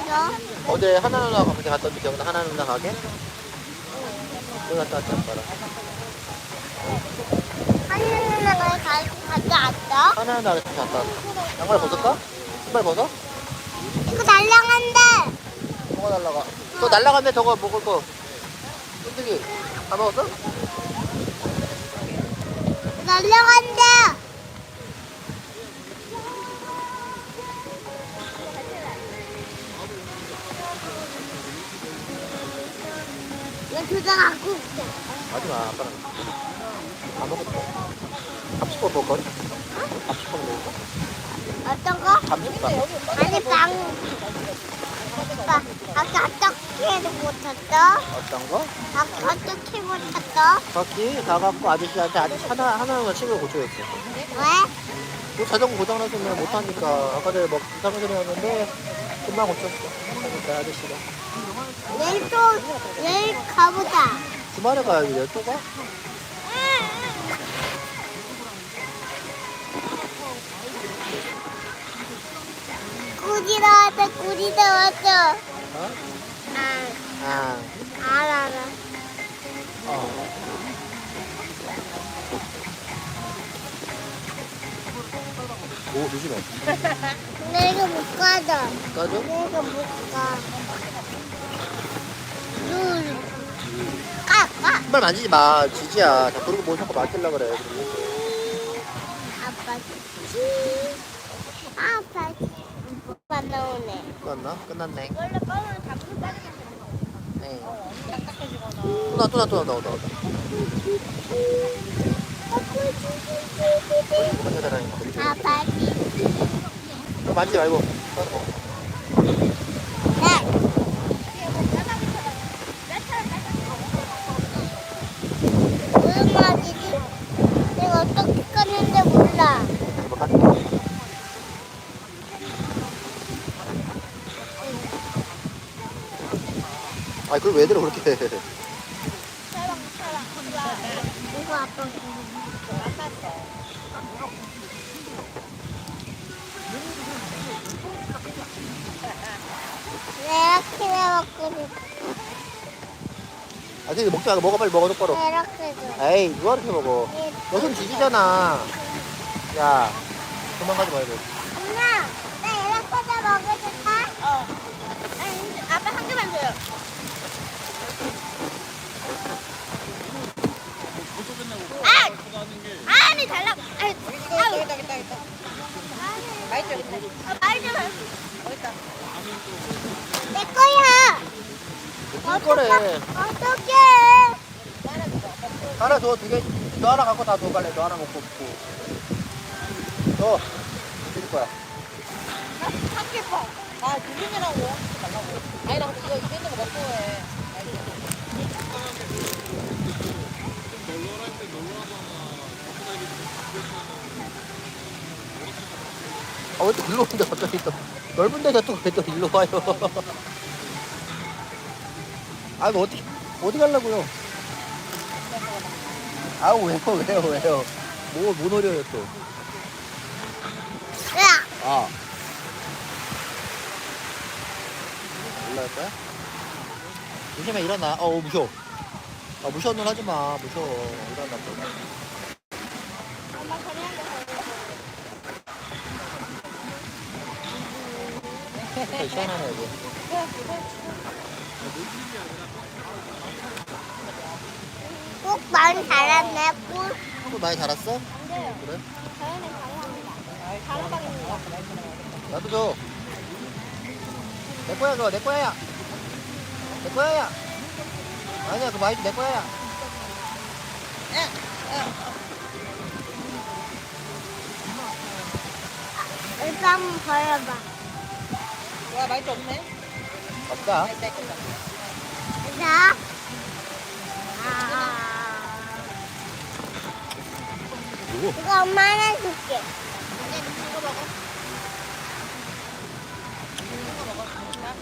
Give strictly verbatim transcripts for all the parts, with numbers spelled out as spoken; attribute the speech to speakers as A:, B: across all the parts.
A: 갔어?
B: 어제 하나 누나 가게 갔다 왔지 기억나? 하나 누나 가게? 거기 갔다 왔지 아빠랑.
A: 하늘 누나가 가, 갔다 왔어?
B: 하나 누나 같이 갔다 왔어. 양말 벗을까? 신발 벗어?
A: 이거 날라간대.
B: 뭐가 날라가? 또 날라갔네 저거 먹을 거. 쫀득이 다 먹었어?
A: 날라간대. 이거 두장 갖고 올게.
B: 하지마 아빠랑 다 먹었어. 밥식밥 먹을거리? 밥식밥 먹을까?
A: 어떤 거?
B: 밥식밥.
A: 아니 빵. 아빠, 아까 어떻게 못했어?
B: 어떤 거?
A: 아까 어떻게 못했어?
B: 바퀴 가갖고 아저씨한테 아저씨 하나 하나만 칩을 고쳐줬어.
A: 왜?
B: 그 자전거 고장났으면 못하니까 아까 전에 막 이상한 소리 났는데 금방 고쳤어. 그러니까 아저씨가
A: 내일 또 내일 가보자.
B: 주말에 가야지 내일 또 가?
A: 꿀이 나왔다. 꿀이 나왔어.
B: 어?
A: 아,
B: 아,
A: 알아, 알아.
B: 어. 오 조심해.
A: 근데 이거 못 가져.
B: 까줘?
A: 이거 못 가. 룰. 까, 까.
B: 신발 만지지 마. 지지야. 자 그러고 뭐 자꾸 맡길라 그래.
A: 아빠 치. 아빠 치. 오빠 나오네.
B: 끝났나? 끝났네.
A: 원래 빵으로 잡고 빠지면
B: 네.
A: 딱딱해지거나.
B: 또나 또나 또나 나오다 나오다. 어디 가자
A: 아빠 치.
B: 너 만지지 말고.
A: 네. 무슨 말이지? 내가 어떻게 껐는지 몰라.
B: 뭐 가자. 아 그걸 왜 들어 그렇게?
A: 이거 아빠. 내가 키워 먹고 싶어.
B: 아 근데 먹지 말고 먹어 빨리 먹어 똑바로.
A: 이렇게 줘.
B: 에이 누가 이렇게 먹어? 너 손 지지잖아. 야 도망가지 말고.
A: 엄마, 나 이렇게 다 먹어줄까? 어. 아니, 아빠 한 개만 줘요. 아! 아니, 달라고. 아이, 아유. 여기다, 여기다, 여기다. 맛있죠, 여기다. 아, 맛있죠, 맛있죠. 여기다. 내 거야.
B: 무슨 거래?
A: 어떡해.
B: 하나 줘, 두 개. 너 하나 갖고 다 줘, 빨리. 너 하나 먹고 없고. 너, 줄 거야.
C: 삼겹 아, 두 개라고 하지 말라고. 아니, 나 근데 이거 이랬는 거 먹고 해.
B: 아, 왜 또 일로 오는데 갑자기 또. 넓은 데가 또 왜 또 일로 와요. 아, 뭐 어디, 어디 가려고요? 아, 왜요, 왜요, 왜요? 뭐, 뭐 노려요, 또.
A: 야,
B: 아. 올라갈 거야? 조심해, 일어나. 어, 무서워. 아, 무서운 눈 하지 마. 무서워. 일어나, 또.
A: 엄마 그냥
B: 색깔 시원하네, 여기.
A: 꼭 많이 자랐네, 꿀.
B: 또 많이 자랐어? 그래?
A: 자연은 감사합니다. 자라방입니다.
B: 나도 줘. 내 거야, 그거. 내 거야. 내 거야. 아니야, 그거 많이 내 거야.
A: 일단 한번 버려봐.
C: 와, 맛있지 없네?
B: 없다.
C: 맛있다, 했겠다.
A: 자. 아.
B: 누구?
A: 이거 엄마 하나 줄게.
C: 이거 먹어. 이거 먹어. 자.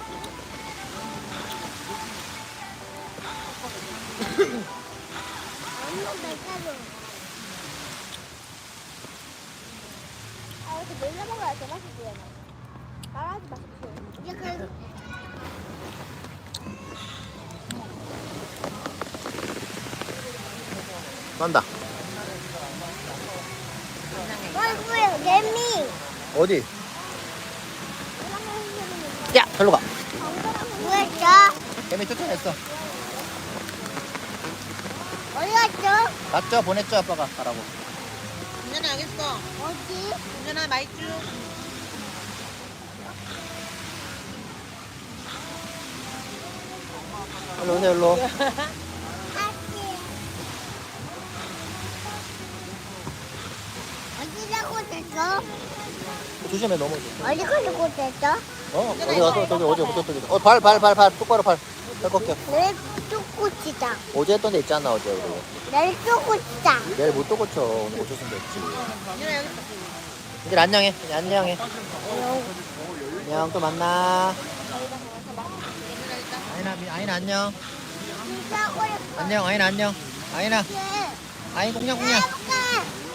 A: 엄마 몇 아, 이렇게 놀러 먹어야 더 맛있지, 얘는. 말하지 마십시오. 이제 그,
B: 간다.
A: 얼굴에 개미.
B: 어디? 야, 절로 가.
A: 뭐였죠?
B: 개미 쫓아냈어.
A: 어디 갔죠?
B: 맞죠? 보냈죠, 아빠가 가라고.
C: 민준아 여기 있어.
A: 어디?
C: 민준아 마이쮸.
B: 일로 오세요, 일로.
A: 어디 가고 있었어?
B: 조심해, 넘어져.
A: 어디 가고 있었어?
B: 어, 어디 가서 저기 어디 어디 저기. 어, 발, 발, 발, 발, 똑바로 발. 발 꺾여.
A: 내일 쫓고 치자.
B: 어제 했던 데 있잖아, 어제 우리.
A: 내일 쫓고 치자.
B: 내일 못 또 고쳐. 오늘 고쳤으면 됐지.
C: 민준아 여기 있어.
B: 이제 안녕해. 이제 안녕해. 안녕, 또 만나. 아이나, 미- 아이나 안녕.
A: 진짜 오래
B: 안녕, 아이나 안녕. 아이나,
A: 걸게.
B: 아이 공냥 공냥.
A: 해볼게.